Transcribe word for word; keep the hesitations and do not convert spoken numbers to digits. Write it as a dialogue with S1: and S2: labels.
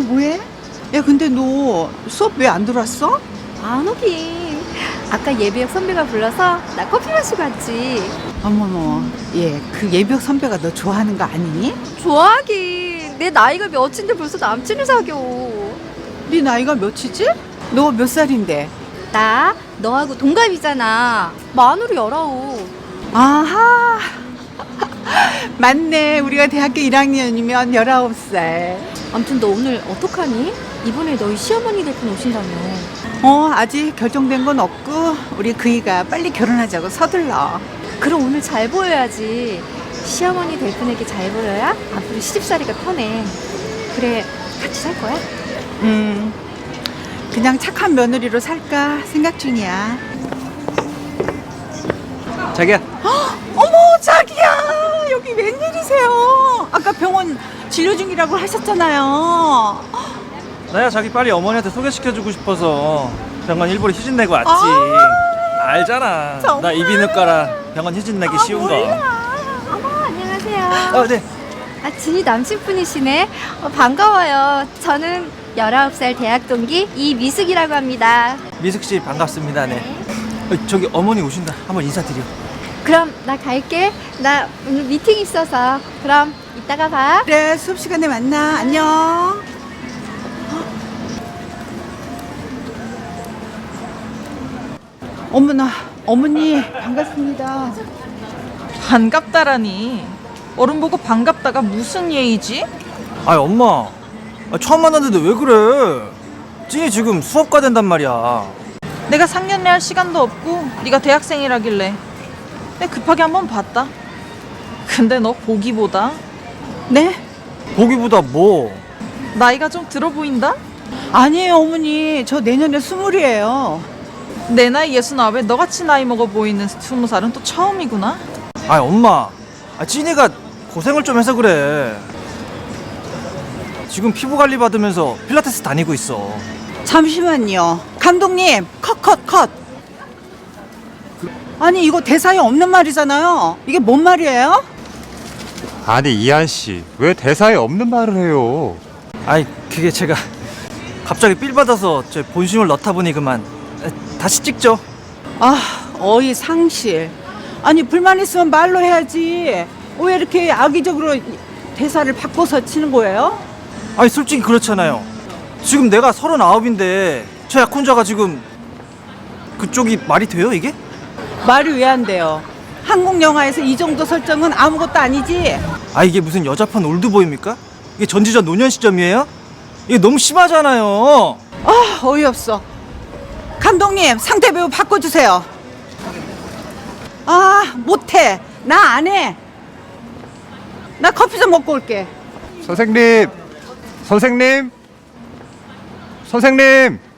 S1: 뭐해? 야, 근데 너 수업 왜 안 들어왔어?
S2: 안 오긴. 아까 예비역 선배가 불러서 나 커피 마시고 왔지.
S1: 어머머, 얘 그 예비역 선배가 너 좋아하는 거 아니니?
S2: 좋아하긴. 내 나이가 몇인데 벌써 남친을 사겨.
S1: 네 나이가 몇이지? 너 몇 살인데?
S2: 나 너하고 동갑이잖아. 만으로 열아홉.
S1: 아하. 맞네. 우리가 대학교 일 학년이면 열아홉 살.
S2: 아무튼 너 오늘 어떡하니? 이번에 너희 시어머니 될 분 오신다며.
S1: 어, 아직 결정된 건 없고 우리 그이가 빨리 결혼하자고 서둘러.
S2: 그럼 오늘 잘 보여야지. 시어머니 될 분에게 잘 보여야 앞으로 시집살이가 편해. 그래, 같이 살 거야?
S1: 음, 그냥 착한 며느리로 살까 생각 중이야.
S3: 자기야.
S1: 어머, 자기야, 여기 웬일이세요? 아까 병원 진료 중이라고 하셨잖아요.
S3: 나야 자기 빨리 어머니한테 소개시켜주고 싶어서 병원 일부러 휴진 내고 왔지.
S1: 아,
S3: 알잖아.
S1: 정말?
S3: 나 이비인후과라 병원 휴진 내기 쉬운 거.
S2: 어머, 안녕하세요.
S3: 어, 네.
S2: 아, 진이 남친분이시네. 어, 반가워요. 저는 열아홉 살 대학 동기 이미숙이라고 합니다.
S3: 미숙 씨 반갑습니다. 네. 어, 저기 어머니 오신다. 한번 인사드려.
S2: 그럼 나 갈게. 나 오늘 미팅 있어서. 그럼 이따가 봐.
S1: 그래, 수업 시간에 만나. 안녕. 어머나, 어머니 반갑습니다.
S4: 반갑다라니. 어른 보고 반갑다가 무슨 예의지?
S3: 아이 엄마. 아, 처음 만났는데 왜 그래? 찐이 지금 수업가 된단 말이야.
S4: 내가 상견례 할 시간도 없고 네가 대학생이라길래 내가 급하게 한번 봤다. 근데 너 보기보다
S1: 네?
S3: 보기보다 뭐?
S4: 나이가 좀 들어 보인다?
S1: 아니에요, 어머니. 저 내년에 스물이에요.
S4: 내 나이 예순아홉에 너같이 나이 먹어 보이는 스무 살은 또 처음이구나.
S3: 아이 엄마. 아, 찐이가 고생을 좀 해서 그래. 지금 피부 관리 받으면서 필라테스 다니고 있어.
S1: 잠시만요. 감독님, 컷, 컷, 컷. 아니, 이거 대사에 없는 말이잖아요. 이게 뭔 말이에요?
S5: 아니 이한 씨, 왜 대사에 없는 말을 해요?
S3: 아이 그게 제가 갑자기 삘 받아서 제 본심을 넣다 보니 그만. 에, 다시 찍죠.
S1: 아, 어이 상실. 아니, 불만 있으면 말로 해야지. 왜 이렇게 악의적으로 대사를 바꿔서 치는 거예요?
S3: 아니 솔직히 그렇잖아요. 지금 내가 서른아홉인데 저 약혼자가 지금 그쪽이 말이 돼요 이게?
S1: 말이 왜 안 돼요? 한국 영화에서 이 정도 설정은 아무것도 아니지.
S3: 아 이게 무슨 여자판 올드보이입니까? 이게 전지전 노년 시점이에요? 이게 너무 심하잖아요.
S1: 아, 어이없어. 감독님, 상대 배우 바꿔주세요. 아, 못해. 나 안 해. 나 커피 좀 먹고 올게.
S5: 선생님, 선생님, 선생님.